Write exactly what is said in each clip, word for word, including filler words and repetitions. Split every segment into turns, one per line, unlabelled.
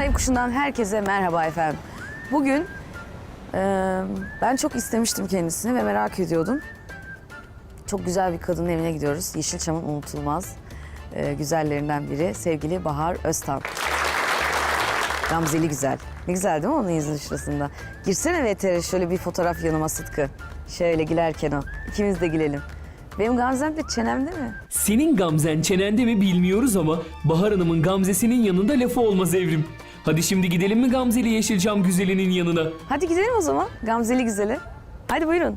Renk Kuşu'ndan herkese merhaba efendim. Bugün e, ben çok istemiştim kendisini ve merak ediyordum. Çok güzel bir kadının evine gidiyoruz. Yeşilçam'ın unutulmaz e, güzellerinden biri sevgili Bahar Öztan. Gamzeli güzel. Ne güzel değil mi onun yüzünün şurasında? Girsene V T R şöyle bir fotoğraf yanıma Sıtkı. Şöyle gülerken o. İkimiz de gülelim. Benim Gamzem de çenemde mi?
Senin gamzen çenende mi bilmiyoruz ama Bahar Hanım'ın gamzesinin yanında lafı olmaz Evrim. Hadi şimdi gidelim mi Gamzeli Yeşilçam güzelinin yanına?
Hadi gidelim o zaman Gamzeli güzele. Hadi buyurun.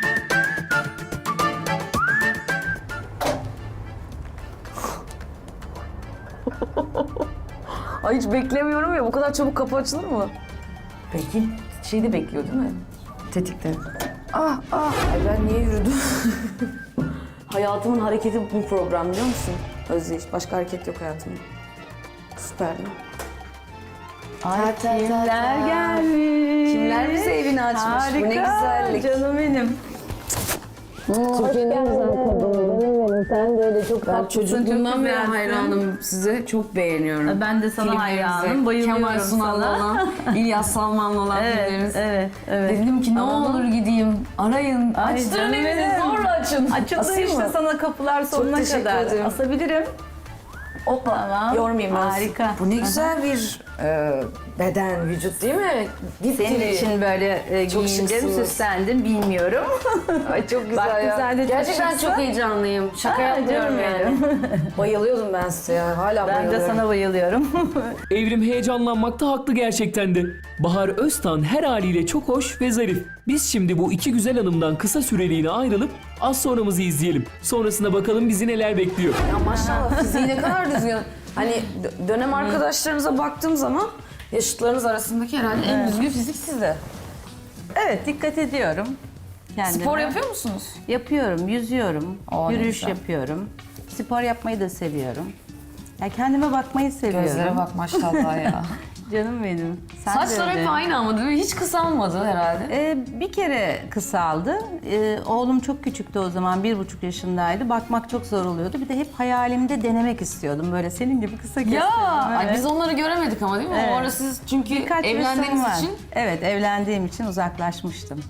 Ay hiç beklemiyorum ya. Bu kadar çabuk kapı açılır mı? Peki şeyde bekliyor değil mi? Tetikte. Ah ah. Ay ben niye yürüdüm? Hayatımın hareketi bu program biliyor musun? Özdeyiş. Başka hareket yok hayatımda. Süper değil mi?
Ay
Ta ta ta
kimler
ta.
gelmiş?
Kimler bize evini açmış?
Harika.
Bu ne güzellik.
Canım benim.
Türkiye'nin en güzel kadını.
Sen de öyle çok
Ben
tatlısın,
çocukluğumdan
çok
beri
güzelsin.
hayranım size. Çok beğeniyorum.
Ben de sana
Filmlerinizi.
hayranım, bayılıyorum
Kemal Sunal'la
sana.
olan, İlyas Salman'la olan
Evet,
filmleriniz.
evet, evet.
Dedim ki ne
Ama-
olur gideyim, arayın,
Ay
açtırın
canım
evini,
benim.
zorla açın.
Açıldı
Asayım
işte
mı?
sana kapılar sonuna
teşekkür
kadar.
ederim.
Asabilirim.
Hoppa,
Tamam.
yormayayım ben.
Harika.
Bu ne güzel bir e, beden, vücut değil mi?
Senin için böyle e,
Çok
giyindim,
şıksınız.
süslendim bilmiyorum.
Ay çok güzel
Bak,
ya.
güzel de çok
Gerçekten
şıksın.
çok heyecanlıyım. Şaka
Aa,
yapmıyorum
canım
yani. Bayılıyordum ben size ya. Hala
Ben
bayılıyorum.
de sana bayılıyorum.
Evrim heyecanlanmakta haklı gerçekten de. Bahar Öztan her haliyle çok hoş ve zarif. Biz şimdi bu iki güzel hanımdan kısa süreliğine ayrılıp az sonramızı izleyelim. Sonrasında bakalım bizi neler bekliyor.
Ya maşallah fiziği ne kadar düzgün. Hani dö- dönem arkadaşlarınıza baktığım zaman yaşıtlarınız arasındaki herhalde en düzgün fizik sizde.
Evet, dikkat ediyorum kendime.
Spor yapıyor musunuz?
Yapıyorum, yüzüyorum,
Aa, ne
yürüyüş
güzel.
yapıyorum. Spor yapmayı da seviyorum. Ya kendime bakmayı seviyorum.
Gözlere bak maşallah ya.
Canım benim. Sen de
Saçlar
öyle.
hep aynı ama değil mi? Hiç kısalmadı herhalde.
Ee, bir kere kısaldı. Ee, oğlum çok küçüktü o zaman, bir buçuk yaşındaydı. Bakmak çok zor oluyordu. Bir de hep hayalimde denemek istiyordum. Böyle senin gibi kısa kestirdim.
Ya ay
evet.
biz onları göremedik ama değil mi?
Evet.
O ara siz çünkü
Birkaç resim
evlendiğiniz
var.
için.
Evet, evlendiğim için uzaklaşmıştım.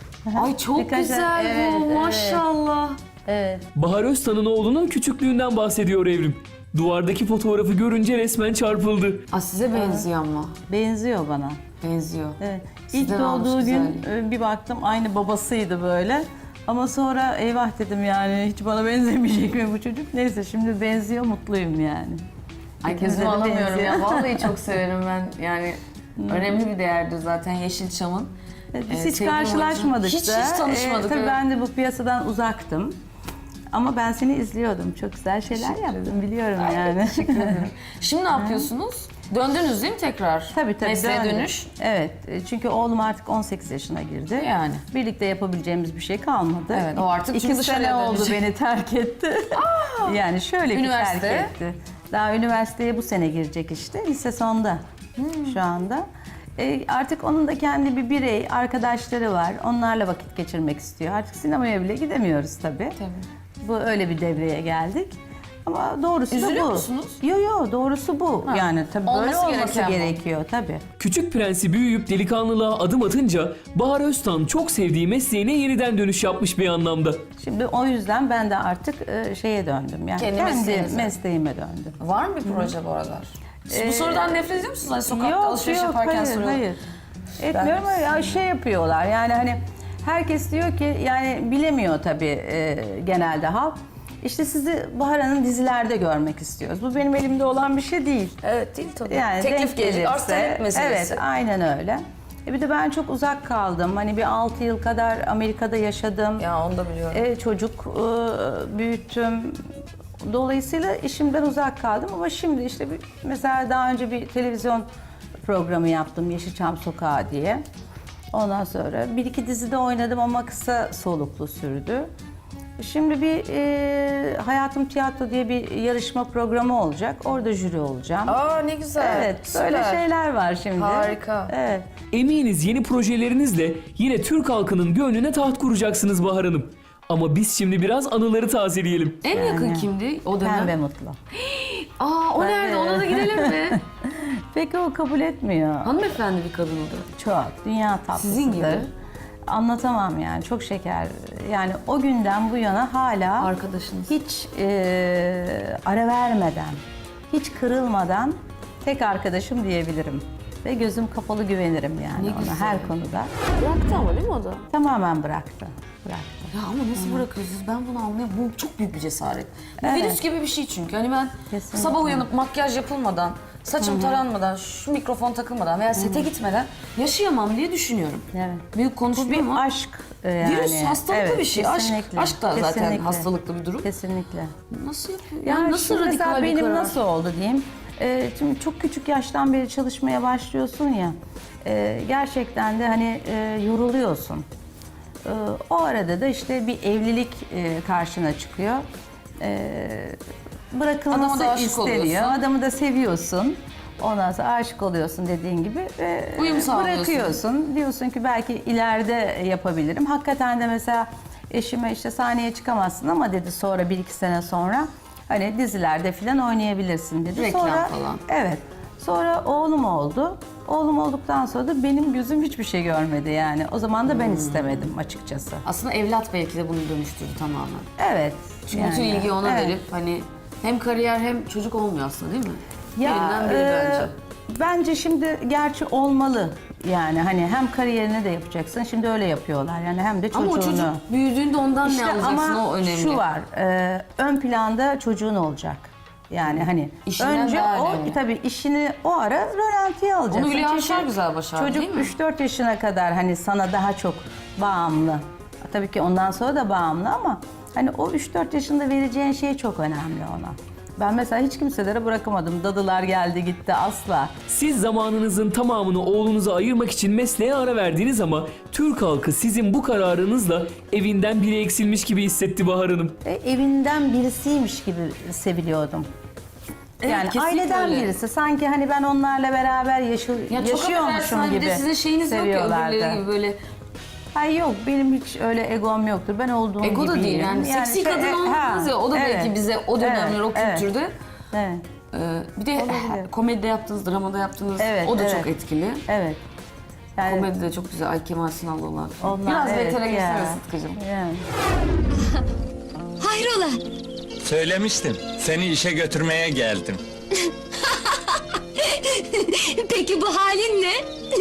Ay çok
Birkaç-
güzel
evet,
bu
evet.
maşallah.
Evet.
Bahar Öztan'ın oğlunun küçüklüğünden bahsediyor Evrim. Duvardaki fotoğrafı görünce resmen çarpıldı.
Aa, size benziyor ama.
Benziyor bana.
Benziyor.
Evet.
Sizden
İlk
almış
doğduğu gün
güzelliği.
e, bir baktım aynı babasıydı böyle. Ama sonra eyvah dedim yani hiç bana benzemeyecek mi bu çocuk? Neyse şimdi benziyor, mutluyum yani.
Ay
İkimize
gözümü
de
alamıyorum
benziyor.
ya. Vallahi çok severim ben. Yani önemli bir değerdir zaten Yeşilçam'ın.
Evet, Biz
Ee,
hiç
sevgili
karşılaşmadık
Hiç,
da.
hiç tanışmadık.
Ee, tabii
evet.
ben de bu piyasadan uzaktım. Ama ben seni izliyordum. Çok güzel şeyler
Teşekkür
yaptım biliyorum yani.
Şimdi ne yapıyorsunuz? Döndünüz değil mi tekrar?
Tabii tabii.
Mesleğe
döndüm.
dönüş.
Evet. e, Çünkü oğlum artık on sekiz yaşına girdi.
Yani.
Birlikte yapabileceğimiz bir şey kalmadı.
Evet, o artık
İki
çünkü
sene
dışarıya
oldu
dönecek.
beni terk etti. Yani şöyle bir
Üniversite?
terk etti. Daha üniversiteye bu sene girecek işte. Lise sonda
Hmm.
şu anda. E, artık onun da kendi bir birey, arkadaşları var. Onlarla vakit geçirmek istiyor. Artık sinemaya bile gidemiyoruz tabii.
Tabii.
Bu öyle bir devreye geldik. Ama doğrusu
Üzülüyor
da bu.
musunuz?
Yo yo doğrusu bu.
Ha.
Yani tabii böyle
Olması
olması
gereken bu.
gerekiyor tabii.
Küçük prensi büyüyüp delikanlılığa adım atınca Bahar Öztan çok sevdiği mesleğine yeniden dönüş yapmış bir anlamda.
Şimdi o yüzden ben de artık e, şeye döndüm. Yani
Kendi
kendi,
mesleğinize.
mesleğime döndüm.
Var mı bir proje bu aralar? Siz bu
Ee,
sorudan nefret ediyor musunuz? Hani sokakta alışveriş yaparken
hayır,
soruyorlar.
hayır. Etmiyorum ama ya şey yapıyorlar yani hani herkes diyor ki yani bilemiyor tabii e, genelde halk. İşte sizi Bahar Hanım dizilerde görmek istiyoruz. Bu benim elimde olan bir şey değil.
Evet değil tabii.
Yani
Teklif
denk
gelecek, arz
gelirse-
talep meselesi.
Evet, aynen öyle. E bir de ben çok uzak kaldım. Hani bir altı yıl kadar Amerika'da yaşadım.
Ya onu da biliyorum.
E, çocuk e, büyüttüm. Dolayısıyla işimden uzak kaldım ama şimdi işte bir, mesela daha önce bir televizyon programı yaptım Yeşilçam Sokağı diye. Ondan sonra bir iki dizide oynadım ama kısa soluklu sürdü. Şimdi bir e, Hayatım Tiyatro diye bir yarışma programı olacak. Orada jüri olacağım.
Aa ne güzel.
Evet,
Süper.
böyle şeyler var şimdi.
Harika.
Evet.
Eminiz yeni projelerinizle yine Türk halkının gönlüne taht kuracaksınız Bahar Hanım. Ama biz şimdi biraz anıları tazeleyelim.
En yakın kimdi o dönem?
Pembe Mutlu.
Aa o nerede? Ona da gidelim mi?
Peki o kabul etmiyor.
Hanımefendi bir kadın o da.
Çok. Dünya tatlısıdır.
Sizin gibi.
Anlatamam yani. Çok şeker. Yani o günden bu yana hala
Arkadaşınız.
hiç e, ara vermeden, hiç kırılmadan tek arkadaşım diyebilirim. Ve gözüm kapalı güvenirim yani
Ne
ona
güzel.
her konuda.
Bıraktı ama değil mi o da?
Tamamen bıraktı. Bıraktı.
Ya ama nasıl bırakıyorsunuz? Ben bunu anlayamam. Bu çok büyük bir cesaret. Bir
Evet.
virüs gibi bir şey çünkü. Hani ben
Kesinlikle.
sabah uyanıp makyaj yapılmadan, saçım taranmadan, şu mikrofon takılmadan veya sete gitmeden yaşayamam diye düşünüyorum.
Evet.
Büyük konuşmayayım ama
Aşk e, yani.
virüs hastalıklı
Evet,
bir şey. Aşk,
kesinlikle.
aşk da zaten
Kesinlikle.
hastalıklı bir durum.
Kesinlikle.
Nasıl yapıyor?
Yani,
Yani nasıl
şimdi
radikal
mesela
bir
benim
karar?
nasıl oldu diyeyim. Ee, şimdi çok küçük yaştan beri çalışmaya başlıyorsun ya. e, gerçekten de hani e, yoruluyorsun. E, o arada da işte bir evlilik e, karşına çıkıyor. E, bırakılması
Adama da aşık
isteniyor.
oluyorsun.
Adamı da seviyorsun. Ondan sonra aşık oluyorsun dediğin gibi. ve
Uyum sağlıyorsun.
Bırakıyorsun. Diyorsun ki belki ileride yapabilirim. Hakikaten de mesela eşime işte sahneye çıkamazsın ama dedi sonra bir iki sene sonra hani dizilerde falan oynayabilirsin dedi.
Reklam
sonra,
falan.
Evet. Sonra oğlum oldu. Oğlum olduktan sonra da benim gözüm hiçbir şey görmedi yani. O zaman da ben istemedim açıkçası.
Aslında evlat belki de bunu dönüştürdü tamamen.
Evet.
Çünkü
yani,
bütün ilgiyi ona
evet.
verip hani hem kariyer hem çocuk olmuyor aslında değil mi?
Ya,
Birinden biri
e,
bence.
Bence şimdi gerçi olmalı. Yani hani hem kariyerini de yapacaksın. Şimdi öyle yapıyorlar. Yani hem de çocuğunu.
Ama o çocuk büyüdüğünde ondan
İşte
ne alacaksın
ama
o önemli.
şu var. e, ön planda çocuğun olacak. Yani hani
İşinden
önce
daha
o
önemli.
tabii işini o ara rölantiye alacaksın.
Onu Hülya
Çünkü
Avşar güzel başardı,
çocuk
değil mi?
üç dört yaşına kadar hani sana daha çok bağımlı. Tabii ki ondan sonra da bağımlı ama hani o üç dört yaşında vereceğin şey çok önemli ona. Ben mesela hiç kimselere bırakamadım. Dadılar geldi gitti asla.
Siz zamanınızın tamamını oğlunuza ayırmak için mesleğe ara verdiniz ama Türk halkı sizin bu kararınızla evinden biri eksilmiş gibi hissetti Bahar Hanım.
E, evinden birisiymiş gibi seviliyordum.
Evet,
Yani
kesinlikle
aileden
öyle.
birisi. Sanki hani ben onlarla beraber yaşa-
Ya çok affedersin
yaşıyormuşum
hani bir
gibi
de sizin şeyiniz yok ya
seviyorlardı.
öbürleri gibi böyle
Hayır yok benim hiç öyle egom yoktur. Ben olduğum
ego da
gibiyim.
değil yani, seksi
şey,
kadın
e,
olmadınız
ha,
ya o da
evet,
belki bize o dönemler o
evet,
kültürde.
Evet.
Ee, bir de
Olabilir.
komedide yaptığınız, dramada yaptığınız
Evet,
o da
evet.
çok etkili.
Evet. Yani
Komedi de çok güzel. Ay Kemal Sunal'la olan.
onlar,
Biraz
evet,
betere
ya.
geçsene Sıtkı'cığım.
Yani.
Hayrola?
Söylemiştim. Seni işe götürmeye geldim.
Peki bu halin ne?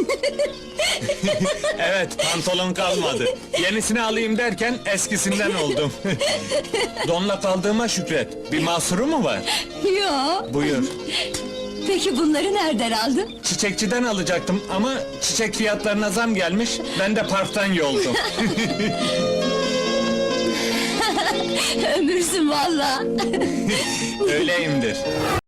Evet, pantolon kalmadı. Yenisini alayım derken eskisinden oldum. Donla kaldığıma şükret. Bir mahsuru mu var?
Yo.
Buyur.
Peki bunları nereden aldın?
Çiçekçiden alacaktım ama çiçek fiyatlarına zam gelmiş. Ben de parktan yoldum.
Ömürsün valla.
Öyleyimdir.